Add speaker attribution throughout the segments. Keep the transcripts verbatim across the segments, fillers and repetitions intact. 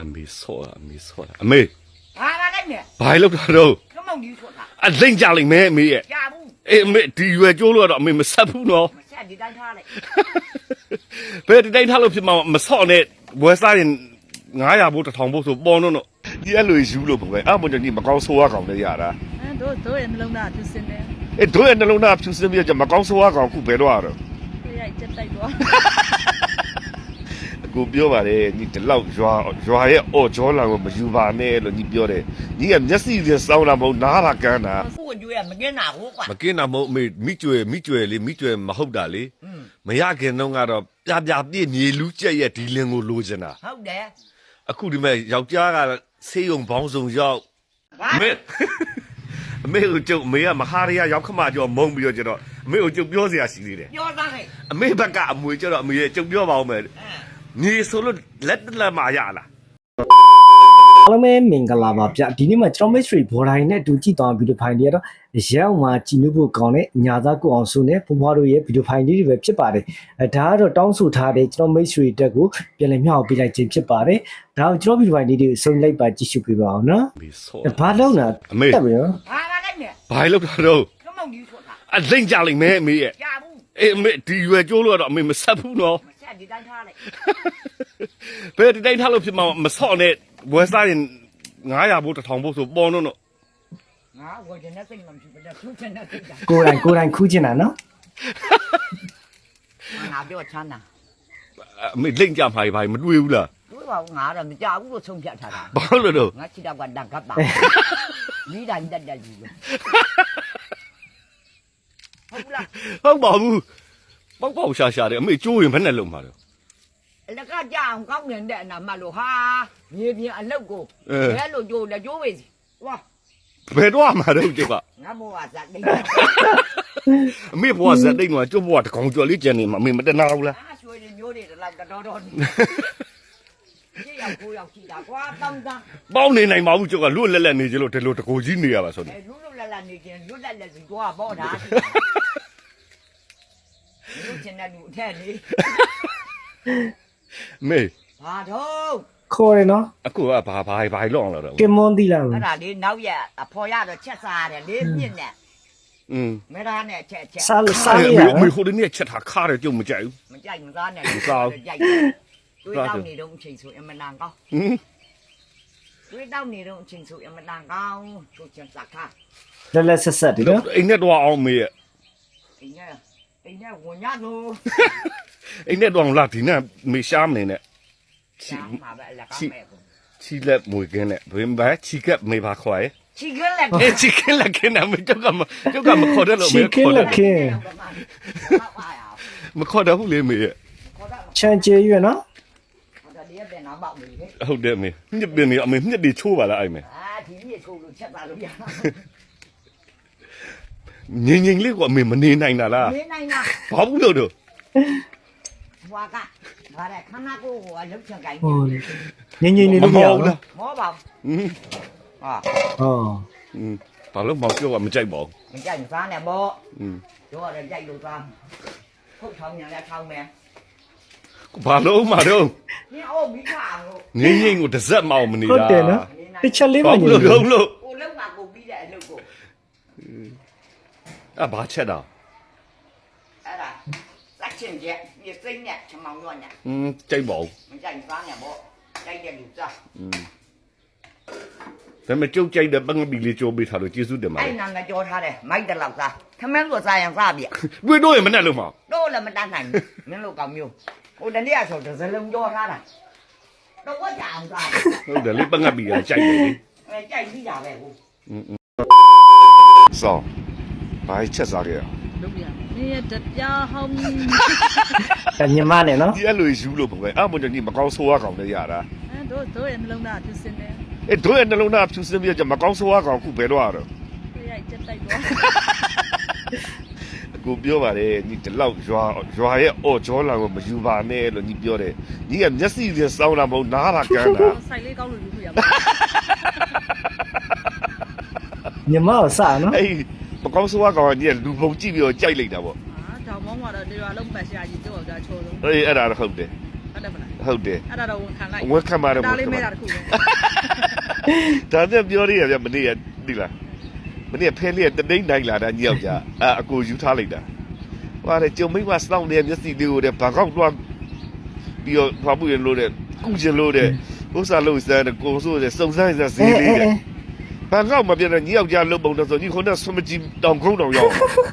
Speaker 1: မေဆောတာအမေဆောတာအမေ
Speaker 2: ဘာလာလိုက်နဲ့
Speaker 1: ဘာလို့တော့
Speaker 2: ကမောင်ကြီးဆိုတာ
Speaker 1: အလိမ့်ကြလိမ့်မယ်အမေရဲ့
Speaker 2: ကြာဘူး
Speaker 1: အေးအမေဒီရွယ်ကျိုးလို့တော့အမေမဆက်ဘူးနော်
Speaker 2: မဆက်ဒီတိုင်းထားလိုက်
Speaker 1: ဘယ်ဒီတိုင်းထားလို့ဖြစ်မှာမဆော့နဲ့ဝယ်စားရင်ငါးရာဘိုးတစ်ထောင်ဘိုးဆိုပေါ်တော့တော့ဒီအဲ့လိုယူလို့ပဲအဲ့မှဒီမကောင်းဆိုးရကောင်လည်းရတာ
Speaker 3: အဲတို့တို့ရဲ့နှလုံးသားဖြူစင်တယ်
Speaker 1: အေးတို့ရဲ့နှလုံးသားဖြူစင်ပြီးတော့မကောင်းဆိုးရကောင်ခုဘယ်တော့ရတော့
Speaker 3: ရိုက်ချက်တိုက်တော့
Speaker 1: ကိုပြောပါတယ်ညီဒီလောက်ရွာရွာရဲ့အော်ဂျောလာကိုမယူပါနဲ့လို့ညီပြောတယ်ညီကမျက်စိနဲ့စောင်းတာမဟုတ်နားတာကန်းတာ
Speaker 2: ကိုကျွေးကမကင်းတာဟုတ်ကွာ
Speaker 1: မကင်းတာမဟုတ်အမေမိကျွယ်မိကျွယ်လေးမိကျွယ်မဟုတ်တာလေမရခင်တော့ကတော့ပြပြပြည့်မြေလူကျက်ရဲ့ဒီလင်ကိုလိုချင်တာ
Speaker 2: ဟုတ်တယ်
Speaker 1: အခုဒီမဲ့ယောက်ျားကဆေးရုံဘောင်းဆောင်ရောက်အမေအမေကိုကျုပ်အမေကမဟာရရရောက်ခမကျော်မုံပြီးတော့ကျတော့အမေကိုကျုပ်ပြောစရာရှိသေးတယ်
Speaker 2: ပြောသားဟဲ့
Speaker 1: အမေဘက်ကအမွေကျတော့အမေရဲ့ကျုပ်ပြောပါဦးမယ်ညီဆိုလို့လက်လက်မရလား
Speaker 4: အားလုံးပဲမင်္ဂလာပါဗျဒီနေ့မှာကျွန်တော် mystery ဘော်ဒိုင်းနဲ့တူကြည့်သွားဗီဒီယိုဖိုင်တွေကတော့ရောက်မှာကြည်ညို့ဖို့ကောင်းတဲ့ညာသားကိုအောင်စုနဲ့ဘုံဘွားတို့ရဲ့ဗီဒီယိုဖိုင်လေးတွေပဲဖြစ်ပါတယ်အဲဒါကတော့တောင်းဆိုထားတဲ့ကျွန်တော် mystery တက်ကိုပြန်လည်မျှဝေပေးလိုက်ခြင်းဖြစ်ပါတယ်ဒါကိုကျွန်တော်ဗီဒီယိုဖိုင်လေးတွေကိုစုံလိုက်ပါကြည့်ရှုပေးပါအောင်နော်ဘာလို့လဲ
Speaker 1: အမေ
Speaker 4: တက်ပြီနော်
Speaker 2: ဘာလာလိုက်နဲ့
Speaker 1: ဘာလို့တော့
Speaker 2: ကမောင်ကြီးဆိုတာ
Speaker 1: အလိမ့်ကြလိမ့်မယ်အမေရဲ့
Speaker 2: ကြာဘူး
Speaker 1: အေးအမေဒီရွယ်ကျိုးလို့တော့အမေမဆက်ဘူးနော်
Speaker 2: မဆက်ဒီတိုင်းထားလိုက်
Speaker 1: ဘယ်ဒီတိုင်းထားလို့ဖြစ်မှာမဆော့နဲ့ဝယ်စားရင်ငါးရာဘိုးတစ်ထောင်ဘိုးဆိုပေါ်တော့တော့
Speaker 2: ငါဝယ်တဲ့စိတ်မှမရှိဘူးတဲ့သူ့ချင်တဲ့စိတ်က
Speaker 4: ကိုယ်တိုင်ကိုယ်တိုင်ခူးချင်တာနော်
Speaker 2: ငါပြောချမ်းသာ
Speaker 1: အမေလိမ့်ကြမှာဘာမတွေ့ဘူးလား
Speaker 2: တွေ့ပါဘူးငါတော့မကြဘူးလို့ဆုံးဖြတ်ထားတာ
Speaker 1: ဘာလို့တော့
Speaker 2: ငါချစ်တော့ကတန်ကပ်ပါမိတိုင်းတက်တက်ကြီးဟုတ်လား
Speaker 1: ဟုတ်ပါဘူးပေါက်ပေါက်ရှာရှာတယ်အမေကျိုးရင်ဘယ်နဲ့လုံးမှာတော့
Speaker 2: လက်ကကြအောင်ကောင်းနေတဲ့နာမလို့ဟာမြေပြင်အလုတ်ကိုဘယ်လိုကြိုးလဲကြိုးပဲစီဝါ
Speaker 1: ဘယ်တော့မှတော့ကျုပ်က
Speaker 2: ငါမောကဇက်တိတ်
Speaker 1: အမေဘွားဇက်တိတ်တော့ကျုပ်ဘွားတကောင်ကျော်လေးကျန်နေမှာအမေမတနာဘူးလား
Speaker 2: အားရွှေတွေမျိုးတွေတော့တော်တော်ကြီးရောက်ကိုရောက်ကြည့်တာကွာတောင်းတာ
Speaker 1: ပေါင်းနေနိုင်ပါဘူးကျုပ်ကလွတ်လက်လက်နေကြလို့ဒီလိုတကိုကြီးနေရပါဆိုနေ
Speaker 2: လွတ်လွတ်လက်လက်နေခြင်းလွတ်လက်လက်စီကွာပေါ့တာလူချင်တဲ့လူအထက်လေ
Speaker 1: မေ
Speaker 2: ဘာတော့
Speaker 4: ခေါ်ရနော်
Speaker 1: အခုကဘာဘာဘာလောက်အောင်တော့
Speaker 4: ကင်မွန်တီလာ
Speaker 2: အဲ့ဒါလေးနောက်ရအဖော်ရတော့ချက်စားရတယ်လေးမြင့်နဲ့
Speaker 1: อืม
Speaker 2: မဲသားနဲ့ချက်ချက်
Speaker 4: စားစားရ
Speaker 1: အမေဟိုဒီနေ့ချက်ထားခါတယ်ကျုပ်မကြိုက်ဘူး
Speaker 2: မကြိုက်မစားနဲ့မစားကြိုက်တွေးတောက်နေတော့အချိန်ဆိုအမနာကောင်း
Speaker 1: ဟင်
Speaker 2: တွေးတောက်နေတော့အချိန်ဆိုအမနာကောင်းချိုးချက်စားခါ
Speaker 4: လက်လက်ဆက်ဆက်ဒီနော်
Speaker 1: အိမ်နဲ့တော့အောင်မေရဲ့
Speaker 2: အိမ်နဲ့အိမ်နဲ့ဝင်ရလို့
Speaker 1: အိမ်နဲ့တော့လာဒီနဲ့မေရှားမနေနဲ့
Speaker 2: ချီမှာပဲလက်ကောင်းမဲ့ကို
Speaker 1: ချီလက်မွေကင်းနဲ့ဘယ်မှာချီကပ်မေပါခွာရဲ့
Speaker 2: ချီကင်းလက်
Speaker 1: အေးချီကင်းလက်ကင်းနဲ့မကျုပ်ကမကျုပ်ကမခေါ်တယ်လို့
Speaker 4: မေခေါ်တယ်ချီကင်းလက်က
Speaker 1: မခေါ်တယ်ဟုတ်လေမေရဲ့
Speaker 4: ချန်ကျေရွနော်
Speaker 2: ဟုတ်တယ်ဒီတဲ့နောက်ပေါက်နေလေ
Speaker 1: ဟုတ်တယ်မေညစ်ပင်နေအမေညစ်တွေချိုးပါလားအဲ့မေ
Speaker 2: အာဒီနေ့ချိုးလို့ချက်သားလို့ရ
Speaker 1: ငင်ငင်လေးကအမေမနေနိုင်တာလား
Speaker 2: နေနိုင်တာ
Speaker 1: ဘာဘူးလို့တော့
Speaker 2: ဘွာကဘာလဲခဏကိုဟိုအလုပ်ချင်ကြိုင်း
Speaker 4: ငင်ငင်နေလို့မရဘူးလား
Speaker 2: မောပါဘူးဟာ
Speaker 4: ဟော
Speaker 1: อืมဘာလို့မောင်ပြောကမကြိုက်ပါဘူး
Speaker 2: မကြိုက်မစားနဲ့ပေါ့อืมပြောရတယ်ကြိုက်လို့သားခုတ်ထောင်းညာလည်းထောင်းမယ်
Speaker 1: ဘာလို့မှတော့
Speaker 2: နင်အိုးမိခါလို့
Speaker 1: ငင်းငင်းကိုတစ်စက်မအောင်မနေတာ
Speaker 4: ဟုတ်တယ်နော်တစ်ချက်လေးမှ
Speaker 1: ညလို့လုံးလို့
Speaker 2: ကိုလုံးကကိုပြီးတဲ့အလုပ်ကို
Speaker 1: အဲ့ဘာချက်တာ
Speaker 2: အဲ့ဒါစက်ချင်းကျက်ပြစိမ့်နဲ့ချမောင်ရောညာ
Speaker 1: อืมကြိုက်ပါဦး
Speaker 2: မကြိုက်စားနဲ့ပေါ့ကြိုက်တဲ့လူစား
Speaker 1: อืมဒါပေမဲ့ကြုတ်ကြိုက်တဲ့ပင္ဍပီလေးကြိုးပေးထားလို့ကျေးဇူးတင်ပါတယ်
Speaker 2: အဲ့နာငါကြောထားတယ်မိုက်တလောက်စားခမင်းလို့စားရင်စားပြ
Speaker 1: တွေ့တော့ရင်မနဲ့လို့မ
Speaker 2: တော့လည်းမတတ်နိုင်ဘူးမင်းတို့ကောင်မျိုးဟိုတနေ့ကဆိုတစ်စလုံးကြောထားတာတော့ဝတ်ကြအောင်စား
Speaker 1: ဟုတ်တယ်လေပင္ဍပီကကြိုက်တယ်လေ
Speaker 2: အဲကြိုက်ပြီးတာပဲကို
Speaker 1: อืมစောဘာချက်စားခဲ့ရ
Speaker 3: လုပ်ရနေရတပြားဟောင်း
Speaker 4: ညီမနဲ့နော်
Speaker 1: ဒီအဲ့လိုယူလို့ပဲအဲ့မှညီမကောင်းဆိုးရကောင်လည်းရတာ
Speaker 3: အဲတို့တို့ရဲ့နှလုံးသားဖြူစင်တယ်
Speaker 1: အေးတို့ရဲ့နှလုံးသားဖြူစင်ပြီးတော့မကောင်းဆိုးရကောင်ခုဘယ်တော့ရတော့
Speaker 3: ရိုက်ချက်တိုက်တော့
Speaker 1: ကိုပြောပါတယ်ညီဒီလောက်ရွာရွာရဲ့အော်ဂျောလာကိုမယူပါနဲ့လို့ညီပြောတယ်ညီကမျက်စိနဲ့စောင်းတာမဟုတ်နားတာကန်းတာ
Speaker 3: ဆိုင်လေးကောင်းလို့ယူခွင့်ရပါ
Speaker 4: ညီမကိုစနော်
Speaker 1: အေးမကောင်းဆိုးရကောင်ကညီလူပုံကြည့်ပြီးတော့ကြိုက်လိုက်တာပေါ့
Speaker 3: ဟာတောင်မောင်းမှာတော့ဒီရွာလုံးပတ်ရှာကြီးတော့ကြာချိုးလို့
Speaker 1: အေးအဲ့ဒါတော့ဟုတ်တယ်
Speaker 3: ဟုတ်တယ်မလား
Speaker 1: ဟုတ်တယ်
Speaker 3: အဲ့ဒါတော့ဝန်ခံလိုက်
Speaker 1: ဝန်ခံပါတယ်
Speaker 3: ဒါလေးမဲတာတခုပဲ
Speaker 1: ဒါနဲ့ပြောရရဗျမနေ့ကဒီလားမနေ့ကဖဲလေးကတတိန်နိုင်လာတာညောက်ကြအာအကိုယူထားလိုက်တာဟွာလေကျုံမိမစောင်းနေမျက်စိလေးကိုတဲ့ဘာကောက်တော့ပြီးတော့ဖွားပွေလို့တဲ့ကုကျင်လို့တဲ့ဥစ္စာလို့စတဲ့ကိုဆိုတဲ့စုံစမ်းစဈေးလေးတဲ့ဘာကောက်မပြတဲ့ညောက်ကြလုတ်ပုံတော့ဆိုညီခုနဆွမကြီးတောင်ခုံးတောင်ရောက်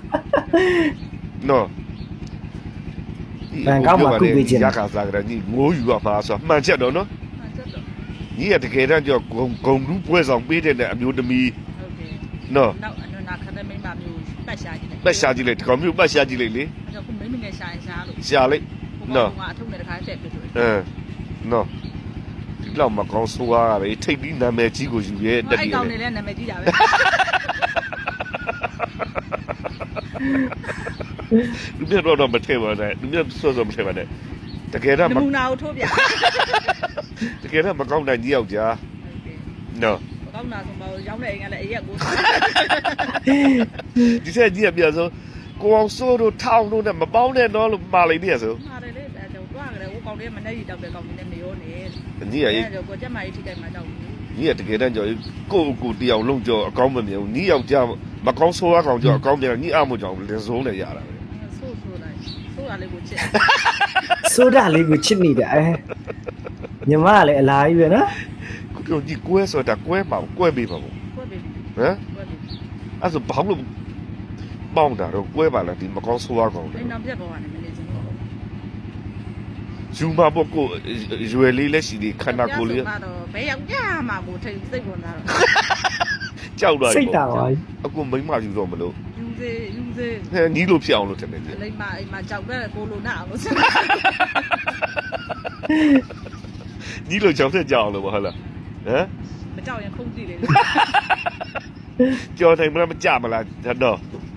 Speaker 1: နော်
Speaker 4: ဘန်ကောက်မှာကုပေးခြင်း
Speaker 1: ရခါစားကြတယ်ညီငိုးယူရမှာဆိုမှန်ချက်တော့နော်
Speaker 3: ဟာချက်တော့
Speaker 1: ညီကတကယ်တမ်းကြောဂုံဂုံလူပွဲဆောင်ပေးတဲ့အမျိုးသမီး
Speaker 3: ဟုတ်တယ်
Speaker 1: နော်
Speaker 3: နောက်အနနာခတဲ့မိမမျိုးပတ်ရှာကြည့်တယ်
Speaker 1: ပတ်ရှာကြည့်လိုက်ဒီကောင်မျိုးပတ်ရှာကြည့်လိုက်လေ
Speaker 3: အဲ့တော့ခုမိမငယ်ရှာရင်ရှာလို့
Speaker 1: ရှာလိုက်နော်
Speaker 3: ဟိုကအထုပ်နဲ့တခါတက်ပြတယ်
Speaker 1: အဲနော်ဒီလောက်မကောင်းဆိုးရပဲထိတ်ပြီးနာမည်ကြီးကိုယူရဲတက်
Speaker 3: အဲ့
Speaker 1: ပြီး
Speaker 3: ကောင်
Speaker 1: လေ
Speaker 3: နေလဲနာမည်ကြီးတာပဲ
Speaker 1: လူမြတ်တော့မထဲပါနဲ့လူမြတ်ဆော့ဆော့မထဲပါနဲ့တကယ်တော့
Speaker 3: နမူနာကိုထိုးပြ
Speaker 1: တကယ်တော့မကောင်းတဲ့ကြီးယောက်ျားနော်
Speaker 3: ကောင်းတာဆိုပါရောင်းတဲ့အိမ်ကလည်းအရက်ကိုစား
Speaker 1: ဒီဆက်ကြီးကပြန်ဆိုကိုအောင်စိုးတို့ထောင်းတို့နဲ့မပေါင်းနဲ့တော့လို့မှာလိုက်နေရဆို
Speaker 3: မှားတယ်လေအဲ့တော့တွားကြတယ်ဟိုကောင်လေးမနဲ့ရီတောက်တဲ့ကောင်လေးနဲ့မရောနဲ့
Speaker 1: ကြီးရရေး
Speaker 3: အဲ့တော့ကိုကျက်မကြီးထိခိုက်မှာကြောက်ဘူး
Speaker 1: ကြီးကတကယ်တမ်းကြောကိုကိုတယောက်လုံးကြောအကောင်းမမြင်ဘူးကြီးယောက်ျားမကောင်းဆိုးရကောင်ကြောအကောင်းပြန်ကြီးအမှုကြောင့်လင်စုံးနဲ့ရတာပဲ
Speaker 3: ဆိုးဆိုးလိုက်ဆိုးတာလေးကိုချစ်
Speaker 4: ဆိုဒါလေးကိုချစ်နေတယ်အဲညီမကလည်းအလားကြီးပဲနော်
Speaker 1: ကိုပြောကြီးကွဲဆိုတာကွဲပါကွဲပေးပါဘူး
Speaker 3: ကွက်ပြီ
Speaker 1: ဟမ်
Speaker 3: ကွက်ပြီ
Speaker 1: အဲ့ဆိုဘာလို့ပေါင်းတာတော့ကွဲပါလားဒီမကောင်းဆိုးရကောင်
Speaker 3: အိမ်တော်ပြက်ပေါ်ကနေမနေချင်ဘူး
Speaker 1: ယူမပေါ့ကိုရွယ်လေးလက်ရှိဒီခန္ဓာကိုယ်လေး
Speaker 3: တော့ဘယ်ရောက်ကြမှာကိုထိတ်စိတ်ဝင်တာတော့
Speaker 1: ကြောက်တော့
Speaker 4: စိတ်တာပါ
Speaker 1: အခုမိမယူတော့မလို့
Speaker 3: ယူစေယူစေ
Speaker 1: ဟဲနီးလို့ဖြစ်အောင်လို့ထင်တယ်
Speaker 3: အလိမ္မာအိမ်မှာကြောက်တဲ့ကိုလိုနာအောင်လို့ဆက်
Speaker 1: နီးလို့ကြောက်တဲ့ကြောက်အောင်လို့ဟုတ်လားဟမ်
Speaker 3: မကြောက်ရင်ခုန်ကြည့်လေ
Speaker 1: ကြော်တိုင်းမလားမကြမလားတော့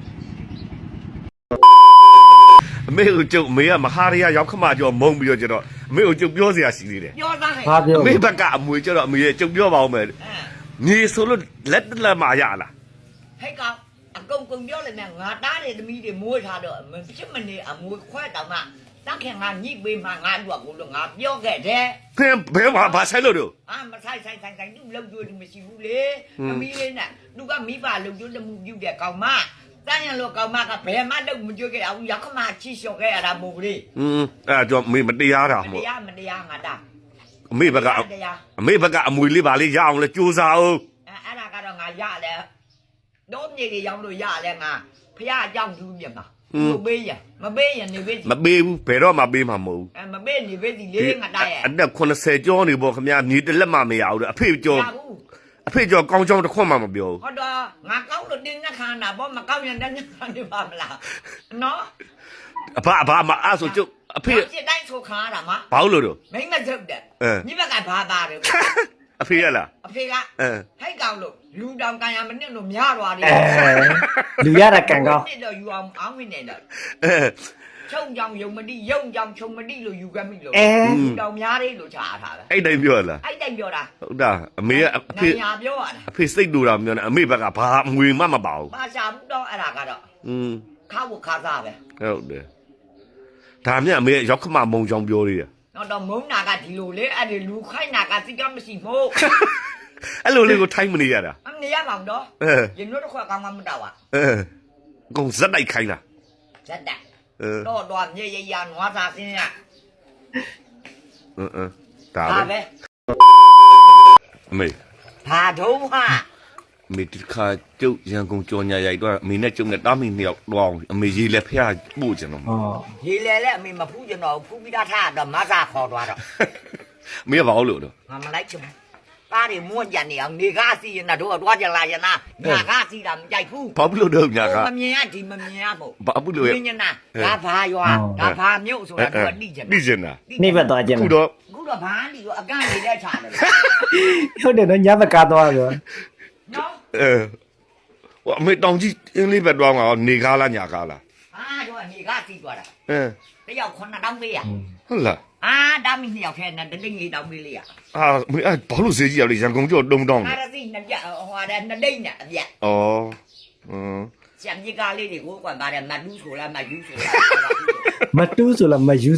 Speaker 1: အမေကိုကျုပ်အမေကမဟာရရရောက်ခမကျော်မုံပြီးတော့ကျတော့အမေကိုကျုပ်ပြောစရာရှိသေးတယ်
Speaker 2: ပြောသားဟဲ့
Speaker 4: ဘာပြော
Speaker 1: အမေဘက်ကအမွေကျတော့အမေကျုပ်ပြောပါဦးမယ်ညီဆိုလို့လက်လက်မရလား
Speaker 2: ဟဲ့ကောင်အကုန်ကုန်ပြောလိုက်မယ်ငါတားတဲ့သမီးတွေမွေးထားတော့မဖြစ်မနေအမွေခွဲတောင်မှတက်ခင်ငါညှိပေးမှငါတို့ကလို့ငါပြောခဲ့တယ်
Speaker 1: ဖင်ဘဲမှာဘာဆိုင်လို့တော့
Speaker 2: အာမဆိုင်ဆိုင်ဆိုင်ဆိုင်သူ့လုံကျွေးသူမရှိဘူးလေသမီးလေးနဲ့သူကမိဘလုံကျွေးတမှုပြုတဲ့ကောင်မတန်းရလို့ကောင်မကဘယ်မှတော့မကြွခဲ့အောင်ရောက်ခမချီလျှော်ခဲ့ရတာမဟုတ်လေ
Speaker 1: อืมအဲ့တော့အမေမတရားတာ
Speaker 2: မ
Speaker 1: မို့
Speaker 2: တရားမတရားငါတာ
Speaker 1: အမေဘက်ကအမေဘက်ကအမွေလေးပါလေးရအောင်လဲစူးစားအောင်
Speaker 2: အဲအဲ့ဒါကတော့ငါရတယ်တော့မြေတွေရောက်လို့ရလဲငါဖះအကြောင်းသူမြတ်ပါမပေးရမပေးရနေပေးစီ
Speaker 1: မပေးဘူးဘယ်တော့မှပေးမှာမဟုတ်ဘူး
Speaker 2: အဲမပေးနေပေးစီလေးငါတာရဲ့
Speaker 1: အသက်80ကျော်နေပေါ့ခင်ဗျာမြေတစ်လက်မှမရဘူးအဖေကျော်
Speaker 2: ရဘူး
Speaker 1: အဖေကျော်ကောင်းချောင်းတစ်ခွန်းမှမပြောဘူး
Speaker 2: ဟောတော့ငါကောင်းလို့တင်းငါခါနာပေါ့မကောင်းရင်တင်းငါခါနေပါမလားနော်
Speaker 1: အဖအဖမအားဆိုကျုပ်အဖေ
Speaker 2: စစ်တိုင်းဆိုခါတာမ
Speaker 1: ဘာလို့လို့
Speaker 2: မိမစုပ်တဲ့
Speaker 1: အဲ
Speaker 2: ညီဘက်ကဘာသားတယ်
Speaker 1: အဖေရလား
Speaker 2: အဖေက
Speaker 1: အဲ
Speaker 2: ဟိတ်ကောင်လို့လူတောင်ကန်ရမနစ်လို့များသွားတယ်
Speaker 4: အဲလူရတာကန်ကောင်း
Speaker 2: နစ်တော့ယူအောင်အောင်းမနေတော့
Speaker 1: အဲ
Speaker 2: ချုံကြောင်ယုံမတိယုံကြောင်ချုံမတိလို့ယူခဲ့မိလို့
Speaker 4: အဲ
Speaker 2: လူတောင်များတယ်လို့ခြားထားတယ်
Speaker 1: အဲ့တိုင်းပြောလား
Speaker 2: အဲ့တိုင်ပြောတာ
Speaker 1: ဟုတ်တာအမေကအဖေ
Speaker 2: နိုင်ညာပြောရတာ
Speaker 1: အဖေစိတ်တူတာမပြောနဲ့အမေဘက်ကဘာငွေမှမပါဘူး
Speaker 2: ပါရှာဘူးတော့အဲ့ဒါကတော့
Speaker 1: อืม
Speaker 2: ခါဖို့ခါစားပဲ
Speaker 1: ဟုတ်တယ်ဒါမြတ်အမေရောက်ခမမုံချောင်းပြောသေးတယ်
Speaker 2: တော့တော့မုံနာကဒီလိုလေအဲ့ဒီလူခိုင်းနာကစိတ်ကမရှိမို့
Speaker 1: အဲ့လိုလေးကိုထိုင်းမနေရတာ
Speaker 2: အမနေရမှာတော့
Speaker 1: အဲ
Speaker 2: ရင်တို့တစ်ခွက်ကောင်းမှမတော့ပါ
Speaker 1: အဲအကုန်ဇက်တိုက်ခိုင်းတာ
Speaker 2: ဇက်တက်
Speaker 1: အဲ
Speaker 2: တော့တော့မြေရရနွားသားစင်းရ
Speaker 1: အင်းအင်းဒါ
Speaker 2: ဒါ
Speaker 1: ပဲ
Speaker 2: ပဲ
Speaker 1: အမေ
Speaker 2: ဘာတော့ဟာ
Speaker 1: အမေဒီခါကျုပ်ရန်ကုန်ကြော်ညာရိုက်တော့အမေနဲ့ကျုပ်နဲ့တားမိနှစ်ယောက်တော့အောင်အမေရေးလက်ဖျားပို့ကြတော့
Speaker 4: ဟော
Speaker 2: ရေလေလေအမေမဖူးကျွန်တော်ဖူးပြီးသားထားတော့မဆာခေါ်သွားတော့
Speaker 1: အမေကဘာလို့တော့
Speaker 2: ငါမလိုက်ချင်ဘူးပါးတွေမွန့်ကြနေအောင်နေကားစီရင်တော့တော့ကြလာရင်နာညာကားစီတာမကြိုက်ဘူး
Speaker 1: ဘာလို့တော့ညာက
Speaker 2: မမြင်ရဒီမမြင်ရမို့
Speaker 1: ဘာလို့လဲ
Speaker 2: မြင်နာဒါဘာရွာဒါဘာမြို့ဆိုတာတော့တိကျ
Speaker 1: တိကျင်တာ
Speaker 4: နေဘက်သွားခြင်း
Speaker 1: ခုတော့
Speaker 2: ခုတော့ဘာလီတော့အကန့်နေတဲ့ခြာတယ်
Speaker 4: ဟုတ်တယ်နော်ညဘက်ကားသွားပြော
Speaker 2: နော်
Speaker 1: အဲဟိုအမေတောင်ကြီးအင်းလေးဘက်တော့မှာနေကားလားညာကားလား
Speaker 2: အာတော့နေကားစီသွားတာ
Speaker 1: အဲ
Speaker 2: တယောက်ခုနှစ်တောင်းပေးရ
Speaker 1: ဟုတ်လား
Speaker 2: အာဒါမီနှစ်ယောက်ထဲနဲ့တလိမ့်လေးတောင်းပေးလိုက်ရ
Speaker 1: အာအမေအဲ့ဘာလို့ဈေးကြီးရလဲရန်ကုန်ကျော်တုံတောင်း
Speaker 2: အာ
Speaker 1: တယ်
Speaker 2: ရစီနှစ်ပြဟိုတဲ့နှစ်လိမ့်နဲ့အပြက်
Speaker 1: ဩอืม
Speaker 2: ဆံကြီးကားလေးတွေကိုကွန်ပါတယ်မတူးဆိုလားမယူဆိုလား
Speaker 4: မတူးဆိုလားမယူဆိုလား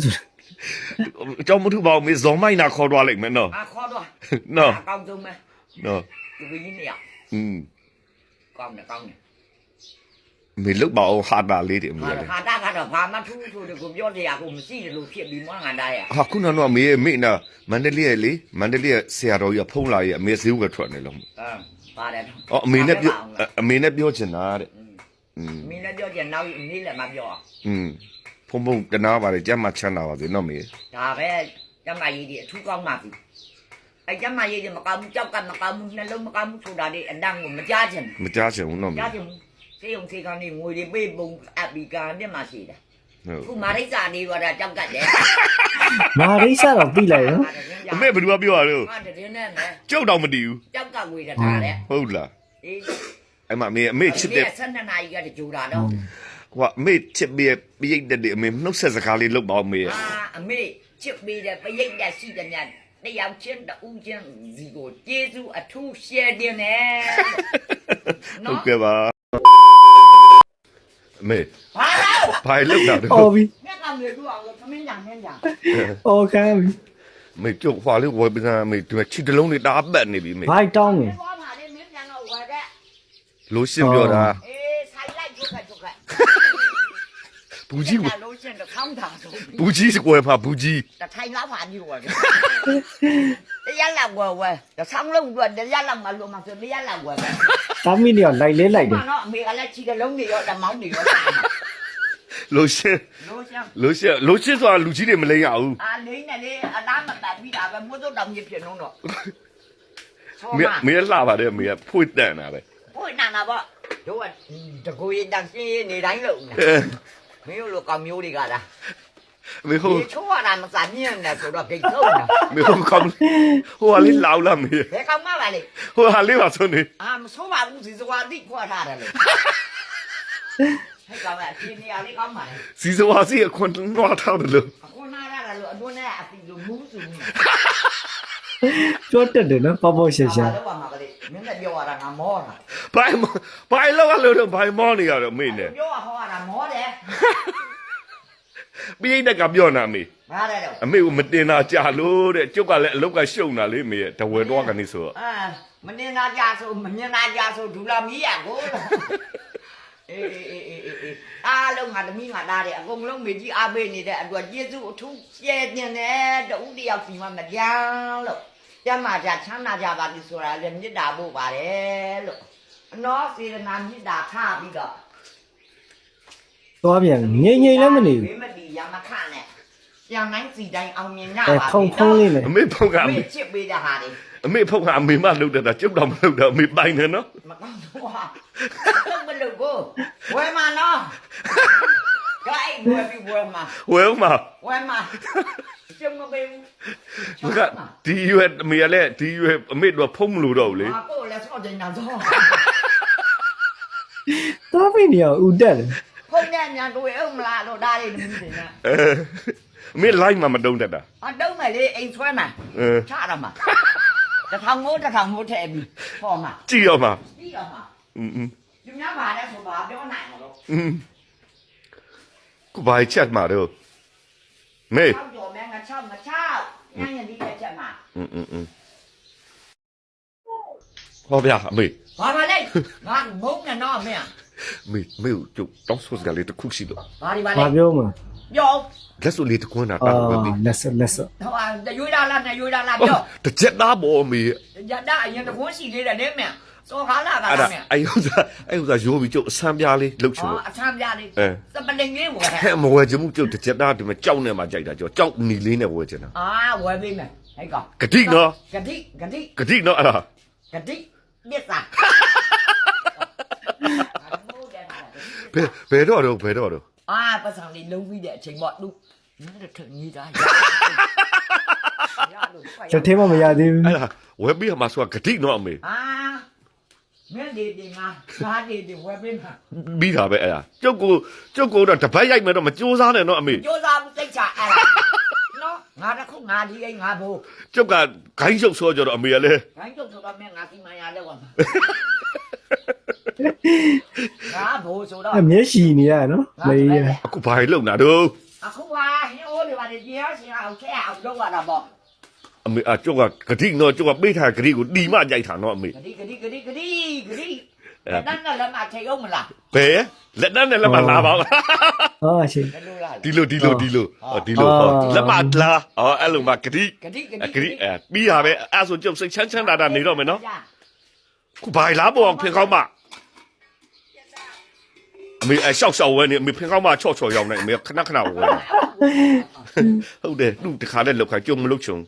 Speaker 1: ကျောင်းမထူပါဘူးမေဇော်မိုင်းနာခေါ်သွားလိုက်မယ်နော်
Speaker 2: အာခေါ်တော့
Speaker 1: နော်
Speaker 2: အကောင်းဆုံးပဲ
Speaker 1: နော်
Speaker 2: ဒီကကြီးနေရ
Speaker 1: อืม
Speaker 2: ကောင်းတယ်ကောင်းတယ်
Speaker 1: မေလုတ်ပါအောင်ဟာတာလေးတွေမေ
Speaker 2: ဟာ
Speaker 1: လေ
Speaker 2: ဟာတာကတော့ဘာမှထူးဆိုတယ်ကိုပြောတရားကိုမရှိတယ်လို့ဖြစ်ပြီးမွားငါတားရ
Speaker 1: ဟာခုနကတော့မေမေနာမန္တလေးရဲ့လေမန္တလေးရဲ့ဆရာတော်ကြီးဖုံးလာရဲ့အမေဈေးဝယ်ထွက်နေလို့
Speaker 2: အာပါတယ်
Speaker 1: အော်အမေနဲ့ပြောအမေနဲ့ပြောချင်တာတဲ့อืม
Speaker 2: မင်းလည်းပြောကြနောက်နေ့လည်းမပြော
Speaker 1: อืมဖုံဖုံတနာပါတယ်ကြမ်းမှချမ်းသာပါစေနော်မေ
Speaker 2: ဒါပဲကျမကြီးဒီအထူးကောင်းပါပြီအဲကျမကြီးဒီမကောင်းဘူးကြောက်ကမကောင်းဘူးနှလုံးမကောင်းဘူးဆိုတာဒီအတန်းကိုမကြားချင်
Speaker 1: မကြားချင်ဘူးနော်မေ
Speaker 2: ကြားချင်ဘူးစေယုံစေကောင်းနေငွေတွေပေးပုံအပီကာမျက်မှရှိတယ်
Speaker 1: ဟုတ်
Speaker 2: ခုမာရိစ္ဆာနေတော့ကြောက်ကတ်တယ်
Speaker 4: မာရိစတော့ပြီးလိုက်နော်
Speaker 1: အမေဘယ်သူကပြောရလို့
Speaker 2: ဟာတည်းနဲ့မယ်
Speaker 1: ကြောက်တော့မတည်ဘူး
Speaker 2: ကြောက်ကငွေတထားတယ်
Speaker 1: ဟုတ်လား
Speaker 2: အေး
Speaker 1: အဲ့မှာအမေအမေချစ်တဲ့
Speaker 2: ဆန္ဒနာကြီးကကြိုတာတော့
Speaker 1: ဟိုအမေချစ်ပြီးပြိတ်တဲ့ဒီအမေနှုတ်ဆက်စကားလေးလုပ်ပါအောင်မေ
Speaker 2: အာအမေချစ်ပေးတယ်ပရိတ်တက်ရှိတယ်များတယောက်ချင်းတူးချင်းစီကိုကျေးဇူးအထူးရှယ်တင်တယ်
Speaker 1: ဟုတ်ကဲ့ပါအမေ
Speaker 2: ဘာလို့
Speaker 1: ဘာလုပ်တာလဲ
Speaker 4: အော်ပြီ
Speaker 2: မြတ်ကမြေတူအောင်လို့သမင်းကြံမင်းကြံ
Speaker 4: အော်ခံပြီ
Speaker 1: မေကျုပ်ဟွာလေးဝယ်ပစံမေဒီချီတလုံးလေးတအားပတ်နေပြီမေ
Speaker 4: ဘိုက်တောင်းမယ်
Speaker 2: ဘာမှလည်းမင်းကြံတော့ဝယ်တဲ့
Speaker 1: လို့ရှင်းပြောတာ
Speaker 2: အေးဆိုင်လိုက်ချုပ်ခတ်ချုပ်ခတ်
Speaker 1: ဘူးကြီး
Speaker 2: ဒါလို့ရှင်းတော့ဆောင်းတာဆို
Speaker 1: ဘူးကြီးစကွယ်ဖာဘူးကြီး
Speaker 2: တထိုင်လားဖာကြီးဝယ်တယ်တရားလာဝယ်ဝယ်တဆောင်းလုံးကတရားလာမလို့မဆိုတရားလာဝယ်ပဲ
Speaker 4: သားမီးနေတော့လိုက်လဲလိုက်တယ်
Speaker 2: ဘာတော့အမေကလည်းချီကလုံးတွေရောတမောင်းတွေရော
Speaker 1: လို့ရှင်း
Speaker 2: လို့ရှင်း
Speaker 1: လို့ရှင်းလို့ရှင်းဆိုတာလူကြီးတွေမလိမ့်ရဘူး
Speaker 2: အာလိမ့်နဲ့လေအလားမတတ်ပြီးတာပဲမိုးစုပ်တောင်ကြီးဖြစ်နှုံးတော့
Speaker 1: မေမေလှပါတယ်မေဖွေ့တန်တာပဲ
Speaker 2: ဟိုနာနာပေါ့တို့ကတကူရင်တန်ရှင်းနေတိုင်းလို့မင်းတို့ကောင်မျိုးတွေကလား
Speaker 1: မေဟို
Speaker 2: ဒီချိုးရတာမစားမြင်နဲ့ဆိုတော့ဂိတ်ဆုံးတာ
Speaker 1: မေဟိုကောင်ဟိုဟာလေးလောက်လာမေ
Speaker 2: ဘယ်ကောင်မှပါလေ
Speaker 1: ဟိုဟာလေးပါဆုံးနေ
Speaker 2: အာမဆိုးပါဘူးစီစွာတိခွာထားတယ်လေဟဲ့ကောင်ကဒီနေရာလေးကောင်းပါလေ
Speaker 1: စီစဝါစီအခွန်နွားထားတယ်လို့
Speaker 2: အခုနာရတာလို့အတွန်းနဲ့အပီလို့မူးစုနေ
Speaker 4: ပြောတတ်တယ်နော်ပေါ့ပေါ့ရှာရှာ
Speaker 2: တော့ပါမှာကလေးမင်းလည်းပြောရတာငါမောတာ
Speaker 1: ဘိုင်ဘိုင်လောက်လို့တော့ဘိုင်မောနေရတော့မေနဲ့
Speaker 2: ပြောရဟောရတာမောတယ်
Speaker 1: ပြိတက်ကပြောနာမေ
Speaker 2: ဘာလဲတော့
Speaker 1: အမေကမတင်တာကြာလို့တဲ့ကျုပ်ကလည်းအလုတ်ကရှုံတာလေမေရဲ့တဝဲတော့ကနေဆိုတော့
Speaker 2: အာမနေနာကြဆိုမမြင်နာကြဆိုဒူလာမီးရကိုအေးအေးအေးအေးအေးအားလုံးငါသမီးငါသားတယ်အကုန်လုံးမေကြီးအားပေးနေတဲ့အတွက်ကျေးဇူးအထူးရှယ်တင်တယ်တူတယောက်စီမမကြမ်းလို့ကျမ်းမာကြချမ်းသာကြပါပြီဆိုတာလည်းမေတ္တာပို့ပါတယ်လို့အနောစေတနာမေတ္တာထားပြီးတော့
Speaker 4: သွားပြန်ငိမ့်ငိမ့်လည်းမနေဘူး
Speaker 2: ဘေးမတီရမခနဲ့ပြန်တိုင်းစီတိုင်းအောင်မြင်ကြ
Speaker 4: အဲ
Speaker 2: ပါ
Speaker 4: ဖုံဖုံးလေးနဲ့
Speaker 1: အမေဖုတ်ကအ
Speaker 2: အမေ
Speaker 1: မေ
Speaker 2: ချစ်ပေးတဲ့ဟာတွေ
Speaker 1: အမေဖုတ်ကအမေမလုပ်တတ်တာကျုပ်တော့မလုပ်တော့အမေပိုင်တယ်နော်
Speaker 2: မကောင်းတော့ဟာတော့မလုပ်ကိုဝယ်မှာနော်ဂိုင်းဝယ်ပြီးဝယ်မှာ
Speaker 1: ဝဲဦးမ
Speaker 2: ဝယ်မှာကျုံမပေးဘူး
Speaker 1: ဘကဒီရွယ်အမေကလည်းဒီရွယ်အမေတို့ဖုံးမလို့တော့ဘူးလေ
Speaker 2: ဟာကိုလည်းဆော့ကြနေတာတော့
Speaker 4: သားမီးနေတော့ဦးတက်တယ်
Speaker 2: ဖုန်းနဲ့ညာတွေ့အောင်မလားလို့ဒါလေးသမီးတွေနဲ့
Speaker 1: အဲအမေလိုက်မှမတုံးတတ်တာ
Speaker 2: အတုံးမယ်လေအိမ်ဆွဲမှာ
Speaker 1: အဲ
Speaker 2: ချရမှာတထောင်မိုးတထောင်မိုးထည့်ပြီးဟောမှာ
Speaker 1: ကြည့်ရမှာ
Speaker 2: ပြီးတော့မှာ
Speaker 1: อืมอืม
Speaker 2: ဒီများပါတဲ့ဆိုပါပြောနိုင်မလို့
Speaker 1: อืมกูบายချက်မှာတော့မေ
Speaker 2: ချောက်ကြော်မဲငါချောက်ငါချောက်ညညဒီတဲ့ချက်မှာ
Speaker 1: อืมอืมอืมဟောဗျာအမေ
Speaker 2: ဘာပါလဲငါမုန်းနေတော့မင်း
Speaker 1: မေမေကျုပ်တောင်းဆိုစကလေးတစ်ခုရှိလို့
Speaker 2: ဘာဒီပါလဲ
Speaker 4: ဘာပြောမှာ
Speaker 2: ပြော
Speaker 1: လက်စွပ်လေးတစ်ခွန်းတာ
Speaker 4: အာ
Speaker 1: တာပဲမေ
Speaker 4: လက်စလက်စ
Speaker 2: ဟိုဟာရွေးလာလားနဲ့ရွေးလာလားပြော
Speaker 1: တစ်ချက်သားပေါ်မေ
Speaker 2: ရတာအရင်တကွန်းရှိသေးတယ်လေမင်းစောကားလာက
Speaker 1: အဲ့
Speaker 2: လာ
Speaker 1: ဒါ
Speaker 2: မင်း
Speaker 1: အဲ့ဥစားအဲ့ဥစားရိုးပြီးကျုပ်အဆန်းပြားလေးလှုပ်ချင်
Speaker 2: ဟော
Speaker 1: လို့
Speaker 2: အဆမ်းပြလေး
Speaker 1: အဲ
Speaker 2: စပလင်လေးဝယ်
Speaker 1: ဟဲ့မဝယ်ချင်ဘူးကျုပ်တစ်ချက်သားဒီမှာကြောက်နေမှာကြိုက်တာကျော်ကြောက်နီလေးနဲ့ဝယ်ချင်တာ
Speaker 2: အာဝယ်ပေးမယ်ဟဲ့ကောင်
Speaker 1: ဂတိနော်
Speaker 2: ဂတိဂတိ
Speaker 1: ဂတိနော်အဲ့ဒါ
Speaker 2: ဂတိမြစ်စာ
Speaker 1: ဘယ်ဘယ်တော့တော့ဘယ်တော့တော့
Speaker 2: အာပတ်စံလေးလုံးပြီးတဲ့အချိန်ပေါ့သူညတဲ့ထညီသားရလို့
Speaker 4: လက်ထဲမှာမရသေးဘူး
Speaker 1: အဲ့ဒါဝယ်ပြီးမှာဆိုတာဂတိနော်အမေ
Speaker 2: အာမင်းဒီဒီငါငါဒီဒီဝယ်ပေးမှာ
Speaker 1: ပြီးတာပဲအဲ့ဒါကျုပ်ကိုကျုပ်ကိုတော့တပတ်ရိုက်မယ်တော့မကြိုးစားနဲ့နော်အမေ
Speaker 2: ကြိုးစားမှုသိချအဲ့ဒါနော်ငါတခုငါဒီအိမ်ငါဘိုး
Speaker 1: ကျုပ်ကဂိုင်းချုပ်ဆောကြတော့အမေကလည်း
Speaker 2: ဂိုင်းကျုပ်ဆိုတော့မင်းငါစီမံရလဲဝါမှာငါဘိုးဆိုတော့
Speaker 4: အမျက်ရှိနေရနော်မေးရ
Speaker 1: အခုဘာလုံတာတော့
Speaker 2: အခုဟာဟိုးတွေပါတွေကျင်းရှင်အောင်ချက်အောင်လုပ်ရတာပေါ့
Speaker 1: အမေအကျောက်ကဂတိနော်ကျောက်ကပေးထားဂတိကိုတီမကြိုက်တာနော်အမေ
Speaker 2: ဂတိဂတိဂတိဂတိဂတိအဲ့ဒါနဲ့လည်းမထိအောင်မလား
Speaker 1: ဘယ်လက်တန်းနဲ့လက်မလာပါဘူး
Speaker 4: ဟာရှင်
Speaker 2: ဘယ်လိုလား
Speaker 1: ဒီလိုဒီလိုဒီလိုဒီလိုဟုတ်လက်မလာအော်အဲ့လိုမှဂတိ
Speaker 2: ဂတိဂတိ
Speaker 1: ဂတိအဲပြီးရပဲအဲ့ဆိုကျုပ်စိတ်ချမ်းချမ်းသာသာနေတော့မယ်နော်ခုဘာလာပေါ်ဖင်ကောင်းမအမေအရှောက်ရှောက်ဝဲနေအမေဖင်ကောင်းမချော့ချော့ရောက်နေအမေခဏခဏဝဲဟုတ်တယ်သူတခါနဲ့လောက်ခါကျုံမလုချုံ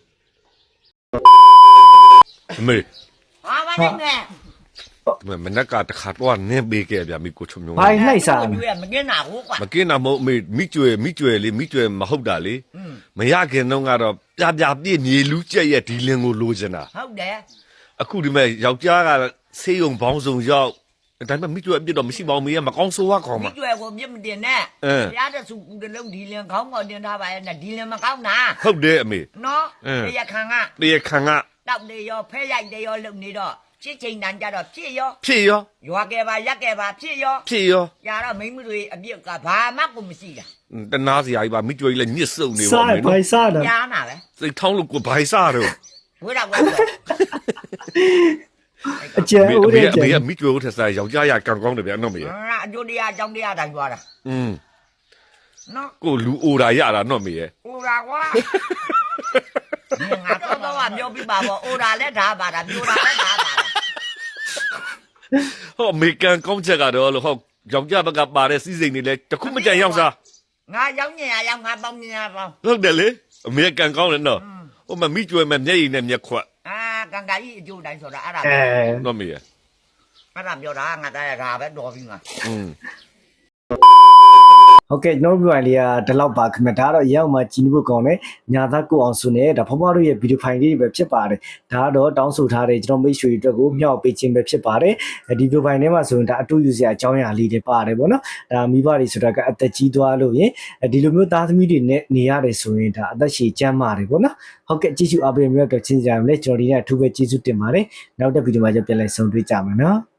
Speaker 1: အမေ
Speaker 2: ဟာမနေနဲ့
Speaker 1: မနက်ကတခါတော့နင်းပေးခဲ့ဗျာမိကိုချုံမျိုး
Speaker 4: ဘိုင်နှိုက်စား
Speaker 2: မကင်းတာဟုတ်ကွာ
Speaker 1: မကင်းတာမဟုတ်အမေမိကျွဲမိကျွဲလေးမိကျွဲမဟုတ်တာလေမရခင်တော့ကတော့ပြပြပြည့်မြေလူကျက်ရဲ့ဒီလင်းကိုလိုချင်တာ
Speaker 2: ဟုတ်တယ်
Speaker 1: အခုဒီမဲ့ယောက်ျားကဆေးရုံဘောင်းဆောင်ရောက်ဒါပေမဲ့မိကျွဲအပြစ်တော့မရှိပါဘူးမေကမကောင်းဆိုးရကောင်း
Speaker 2: မိ
Speaker 1: မှာ
Speaker 2: ကျွဲကိုမြင့်မတင်နဲ့ရတဲ့စုကူတလုံးဒီလင်ခေါင်းကောတင်ထားပါရဲ့နဲ့ဒီလင်မကောင်းတာ
Speaker 1: ဟုတ်တယ်အမေ
Speaker 2: နော်တရားခံက
Speaker 1: တရားခံက
Speaker 2: တောက်နေရောဖဲရိုက်တယ်ရောလုံနေတော့ဖြစ်ချိန်တန်ကြတော့ဖြစ်ရော
Speaker 1: ဖြစ်ရော
Speaker 2: ရွာကဲပါရက်ကဲပါဖြစ်ရော
Speaker 1: ဖြစ်ရော
Speaker 2: ညာတော့မိမတွေအပြစ်ကဘာမှကိုမရှိတာ
Speaker 1: တနာစရာကြီးပါမိကျွဲကြီးလည်းညစ်စုံနေပါ
Speaker 4: စား
Speaker 1: မယ်
Speaker 4: ဘို
Speaker 1: နော်
Speaker 4: င်စားတယ်
Speaker 2: ညာနာပဲ
Speaker 1: စိတ်ထောင်းလို့ကိုဘိုင်စားတော့
Speaker 2: ဝေးတော့ဝေးတော့
Speaker 4: အကျဲ
Speaker 1: အမေ
Speaker 4: ဦး
Speaker 1: အမေ
Speaker 4: တဲ့
Speaker 1: အ
Speaker 4: ကျဲ
Speaker 1: မေကမိကျွဲကိုထက်စားယောက်ျားရကံကောင်းတယ်ဗျာနော်မေ
Speaker 2: ဟာအကျိုးတရားအကြောင်းတရားတိုင်းသွားတာ
Speaker 1: อืม
Speaker 2: နော်
Speaker 1: ကိုလူအိုတာရတာနော်မေရဲ့
Speaker 2: အိုရာကွာငါတော့တော့ပြောပြပါပေါ့အိုရာလည်းဓာပါတာပြိုတာလည်းဓာပါတာ
Speaker 1: ဟောအမေကန်ကောင်းချက်ကတော့လို့ဟောယောက်ျားဘက်ကပါတဲ့စီးစိမ်တွေလည်းတခုမကြံရောက်စား
Speaker 2: ငါရောက်ညင်ရရောက်ငါပေါင်းညင်ရပေါင်း
Speaker 1: ဟုတ်တယ်လေအမေကန်ကောင်းတယ်နော်ဟိုမမိကျွဲမဲ့မျက်ရည်နဲ့မျက်ခွက်
Speaker 2: အာကံကကြီးအကျိုးတိုင်းဆိုတာအဲ့ဒါ
Speaker 4: အဲ
Speaker 1: နော်မေရဲ့
Speaker 2: အဲ့ဒါပြောတာငါတရားဒါပဲတော်ပြီငါ
Speaker 1: อืม
Speaker 4: ဟုတ်ကဲ့ကျွန်တော်တို့လေးကဒီလောက်ပါခင်ဗျဒါကတော့ရောက်မှကြည်နဖို့ကောင်းတယ်ညာသားကိုအောင်စုနဲ့ဒါဖွားဖွားတို့ရဲ့ဗီဒီယိုဖိုင်လေးတွေပဲဖြစ်ပါတယ်ဒါကတော့တောင်းဆိုထားတဲ့ကျွန်တော်မိတ်ဆွေတွေအတွက်ကိုမျှောက်ပေးခြင်းပဲဖြစ်ပါတယ်ဒီဗီဒီယိုဖိုင်ထဲမှာဆိုရင်ဒါအတူယူစရာအကြောင်းအရာလေးတွေပါတယ်ပေါ့နော်ဒါမိဘတွေဆိုတာကအသက်ကြီးသွားလို့ရင်ဒီလိုမျိုးသားသမီးတွေနဲ့နေရတယ်ဆိုရင်ဒါအသက်ရှည်ကျန်းမာတယ်ပေါ့နော်ဟုတ်ကဲ့ကြည့်ရှုအားပေးမြတ်တော့ချင်းကြရမယ်ကျွန်တော်ဒီနေ့အထူးပဲကျေးဇူးတင်ပါတယ်နောက်တဲ့ဗီဒီယိုမှာကျပြန်လည်ဆုံတွေ့ကြမယ်နော်